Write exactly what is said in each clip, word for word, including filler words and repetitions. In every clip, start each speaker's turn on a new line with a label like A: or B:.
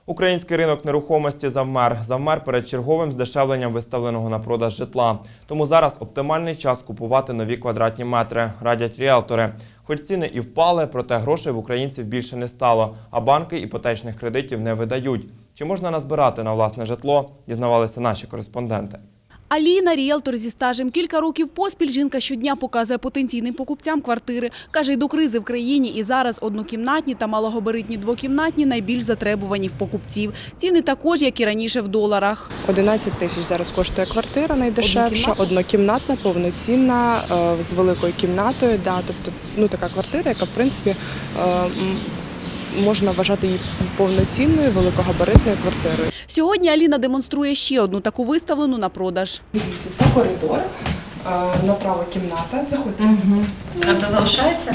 A: Український ринок нерухомості завмер. Завмер перед черговим здешевленням виставленого на продаж житла. Тому зараз оптимальний час купувати нові квадратні метри, радять ріелтори. Хоч ціни і впали, проте грошей в українців більше не стало, а банки іпотечних кредитів не видають. Чи можна назбирати на власне житло, дізнавалися наші кореспонденти.
B: Аліна – ріелтор зі стажем. Кілька років поспіль жінка щодня показує потенційним покупцям квартири. Каже, й до кризи в країні і зараз однокімнатні та малогабаритні двокімнатні найбільш затребувані в покупців. Ціни також, як і раніше, в доларах.
C: одинадцять тисяч зараз коштує квартира найдешевша, однокімнатна, повноцінна, з великою кімнатою. Да, тобто, ну, така квартира, яка, в принципі, можна вважати її повноцінною, великогабаритною квартирою.
B: Сьогодні Аліна демонструє ще одну таку виставлену на продаж.
C: Дивіться, це коридор, направо кімната. Заходьте.
D: Угу. А це залишається?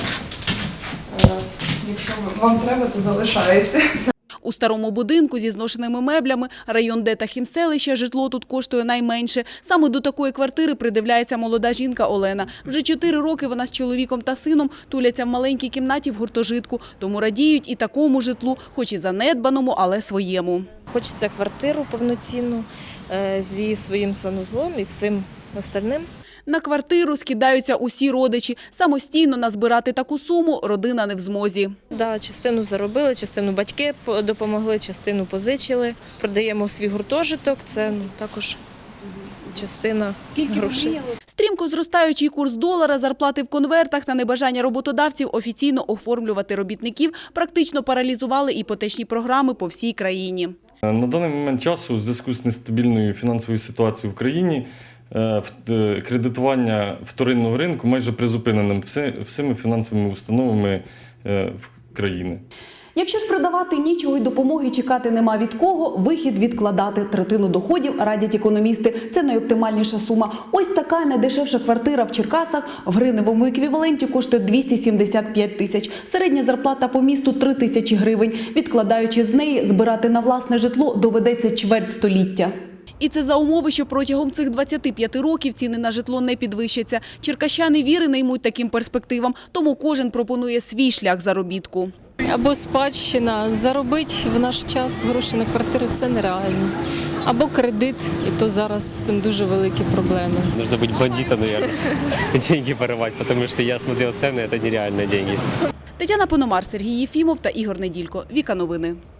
C: Якщо вам треба, то залишається.
B: У старому будинку зі зношеними меблями, район Д та Хімселища, житло тут коштує найменше. Саме до такої квартири придивляється молода жінка Олена. Вже чотири роки вона з чоловіком та сином туляться в маленькій кімнаті в гуртожитку. Тому радіють і такому житлу, хоч і занедбаному, але своєму.
D: Хочеться квартиру повноцінну зі своїм санузлом і всім остальним.
B: На квартиру скидаються усі родичі. Самостійно назбирати таку суму родина не в змозі.
D: Да, частину заробили, частину батьки допомогли, частину позичили. Продаємо свій гуртожиток, це ну, також частина грошей.
B: Стрімко зростаючий курс долара, зарплати в конвертах та небажання роботодавців офіційно оформлювати робітників практично паралізували іпотечні програми по всій країні.
E: На даний момент часу у зв'язку з нестабільною фінансовою ситуацією в країні кредитування вторинного ринку майже призупиненим всіми фінансовими установами в країні.
B: Якщо ж продавати нічого й допомоги чекати нема від кого, вихід відкладати. Третину доходів радять економісти. Це найоптимальніша сума. Ось така найдешевша квартира в Черкасах в гривневому еквіваленті коштує двісті сімдесят п'ять тисяч. Середня зарплата по місту – три тисячі гривень. Відкладаючи з неї, збирати на власне житло доведеться чверть століття. І це за умови, що протягом цих двадцяти п'яти років ціни на житло не підвищаться. Черкащани віри не ймуть таким перспективам, тому кожен пропонує свій шлях заробітку.
F: Або спадщина, заробити в наш час гроші на квартиру – це нереально. Або кредит, і то зараз з цим дуже великі проблеми.
G: Нужно быть бандитом, наверное, деньги воровать, потому что я смотрел цены, это нереальные деньги.
B: Тетяна Пономар, Сергій Єфімов та Ігор Неділько. Віка Новини.